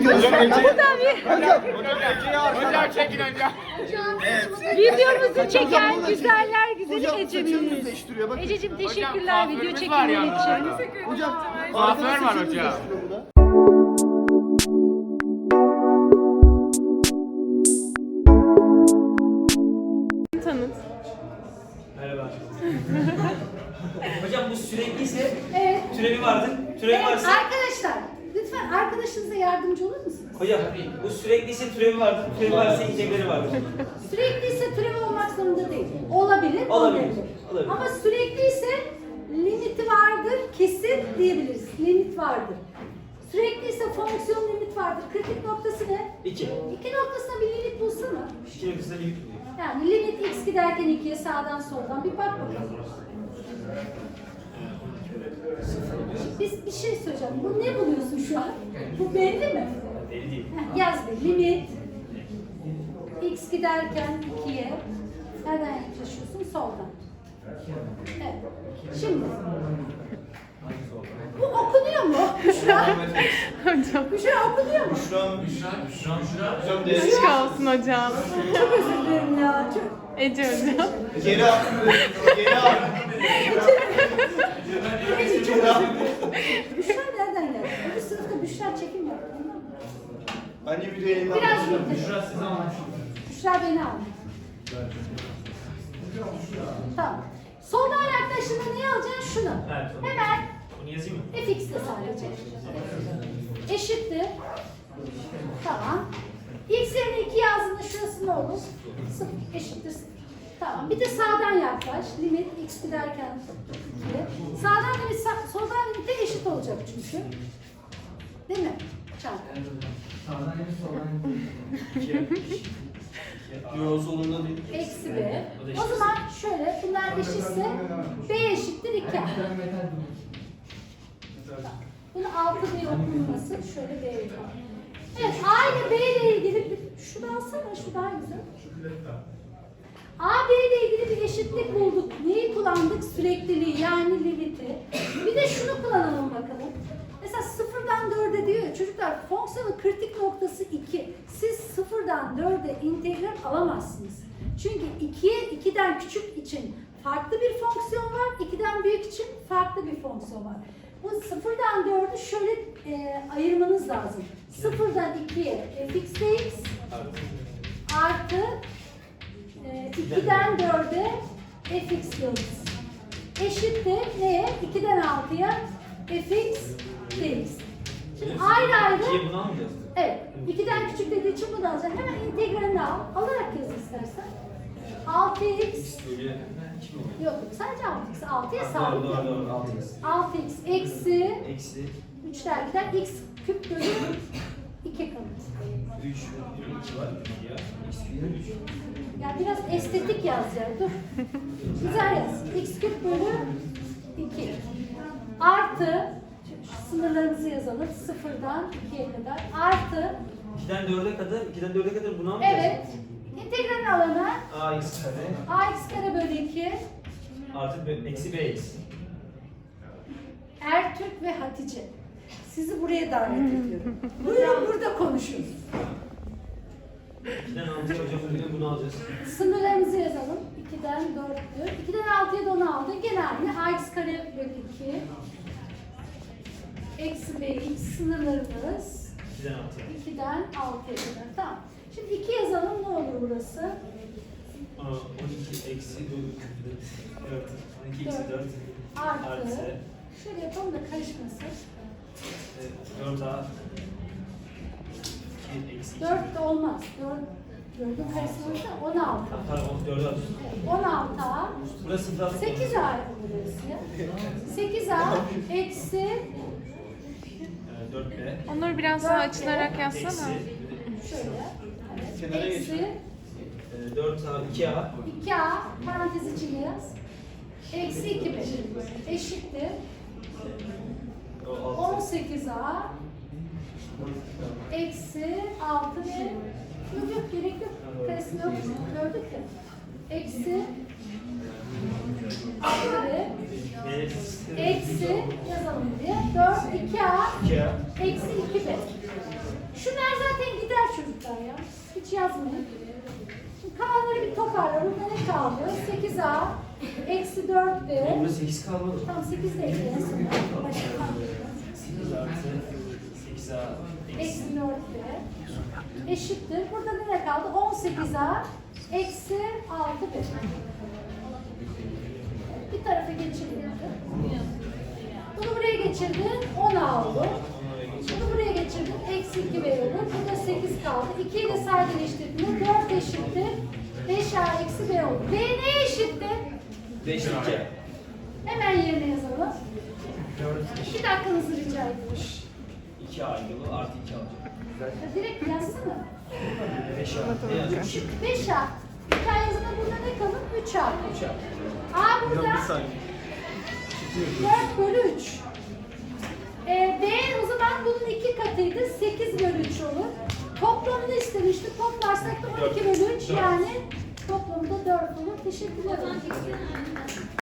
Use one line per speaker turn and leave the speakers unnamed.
Hocam çekin hocam.
Videomuzu çeken güzeller güzeli
Hocam saçınız
Ece'miz.
değiştiriyor bakın.
Ececiğim
Hocam,
teşekkürler video
kuaförümüz var
çekimleri
yalnız.
için.
Hocam
Kuaför var
saçınız
hocam.
değiştiriyor bu da.
Tanıt.
Merhaba. Hocam bu sürekliyse
Evet.
türevi vardır. Türevi
Evet
varsa
arkadaşlar lütfen arkadaşınıza yardımcı olur musunuz?
hocam bu sürekliyse türevi vardır. Türevi varsa integrali vardır.
Sürekliyse türev olmak zorunda değil. Olabilir,
Olabilir,
olmayabilir.
olabilir.
Ama sürekliyse limiti vardır, kesin diyebiliriz. Limit vardır. Sürekliyse fonksiyon limit vardır. Kritik noktası ne?
2.
2 noktasına bir limit bulsana.
2 noktasında limit buluyor.
Yani limit x giderken 2'ye sağdan soldan bir bak bakalım. Biz bir şey söyleyeceğim. Bu ne buluyorsun şu an? Bu belli mi?
Belli değil.
Yaz bir limit x giderken 2'ye nereden yaklaşıyorsun? Soldan. Evet. Şimdi bu okunuyor mu? Büşra. Büşra okunuyor mu?
Aşk olsun hocam.
Çok özür dilerim ya. Çok...
Ece hocam.
Geri al. Geri al.
Neyse, çok özür dilerim. Büşra nereden geldi? Bu sınıfta Büşra çekim yaptı.
Bence video yayınlandı.
Biraz Büşra sizi almış. Büşra beni almış. Tamam. Soldan yaklaştığında neyi alacaksın? Şunu.
Evet, tamam.
Hemen
Bunu yazayım mı?
fx'le sadece. Eşittir. Tamam. X yerine 2 yazdığında şurası ne olur? 0. Eşittir 0. Tamam. Bir de sağdan yaklaş. Limit x giderken 2'ye. Sağdan limit soldan limite eşit olacak çünkü. Değil mi? Çarpı.
Yo solunda değil.
Eksi b. O zaman şöyle, bunlar eşitse b eşittir 2. Bunu 6 diye okunması şöyle b yapalım. Evet, a ile b ile ilgili bir, şunu alsana, şu daha güzel. A, B ile ilgili bir eşitlik bulduk. Neyi kullandık? Sürekliliği, yani limiti. Bir de şunu kullanalım bakalım. Mesela 0'dan 4'e diyor ya, çocuklar fonksiyonun kritik noktası 2. Siz 0'dan 4'e integral alamazsınız. Çünkü 2'ye 2'den küçük için farklı bir fonksiyon var, 2'den büyük için farklı bir fonksiyon var. Bu 0'dan 4'ü şöyle ayırmanız lazım. 0'dan 2'ye fx dx artı 2'den 4'e fx yıldız eşittir neye? 2'den 6'ya fx dx. Şimdi ayrı ayrı,
İkiye bunu almayacağız.
evet, 2'den küçük dediği için bunu alacaksın. Hemen integralini al. Alarak yaz istersen. 6x
Böyle 2 mi oluyor?
yok, sadece 6x. 6'ya
Doğru
sabit.
doğru doğru. 6x.
6x eksi
Eksi
3'ler gider. X küp bölü 2 kalır.
3 2 var. Ya. X bölü 3.
Ya biraz estetik yaz ya. Dur. Güzel yaz. X küp bölü 2. Artı şu sınırlarımızı yazalım. 0'dan 2'ye kadar. Artı
2'den 4'e kadar, 2'den 4'e kadar bunu almayacağız.
evet. İntegralin alana
Ax kare
ax kare bölü 2.
artı eksi bx.
Ertürk ve Hatice. Sizi buraya davet ediyorum. Buyurun burada konuşun.
2'den 6'ya hocam bugün bunu alacağız.
Sınırlarımızı yazalım. 2'den 4'tü. 2'den 6'ya da 10 aldı. Gene aynı. Ax kare bölü 2. Eksi bx sınırlarımız
2'den 6'ya.
2'den 6'ya kadar. Tamam. Şimdi 2 yazalım. Ne olur burası?
12 eksi 4. 12 eksi 4.
Artı. Şöyle yapalım da karışmasın.
4a. 2 eksi 2.
4 de olmaz. 4'ün karşısı olursa 16.
Pardon 4'e atıyorsun.
16A.
Burası da
8A burası ya. 8A eksi
4b.
Onları biraz daha açılarak yazsana.
Eksi
şöyle.
Kenara
Evet,
geç.
eksi
4a 2a.
2A parantez içinde yaz. Eksi 2B eşittir. 18A eksi 6B. Yok yok, gerek yok. Karesi yok. Gördük ya. Eksi 6B eksi yazalım diye 4 2A
2a.
eksi 2B. Şu nerede? çocuklar ya. Hiç yazmayın. Şimdi kalanları bir toparla. Bunda ne kaldı? 8A eksi 4B.
Burada 8 kalmadı.
Tamam 8 de ekleyin sonra. Başka
8 artı 8A
eksi 4B eşittir. Burada ne kaldı? 18A eksi 6B. Bir tarafa geçirdim. Bunu buraya geçirdin, 10 oldu. Bunu buraya geçirdin, eksi 2B olur. Burada 8 kaldı. 2'yi de sadeleştirdiğinde 4 eşittir. 5A eksi B olur. B neye eşittir?
5 2.
Hemen yerine yazalım. 2 dakikanızı rica ediyorum.
2 A yolu artı 2 alacak.
Ya direkt yazsana.
5 A. Ne yazıyor?
5A. Bir tane yazıda burada ne kalır? 3A.
3 A.
A burada 4 bölü 3. B o zaman bunun 2 katıydı. 8 bölü 3 olur. Toplamını istemiştik. Toplarsak da 12 bölü 3 yani toplamda 4 olur. Teşekkürler.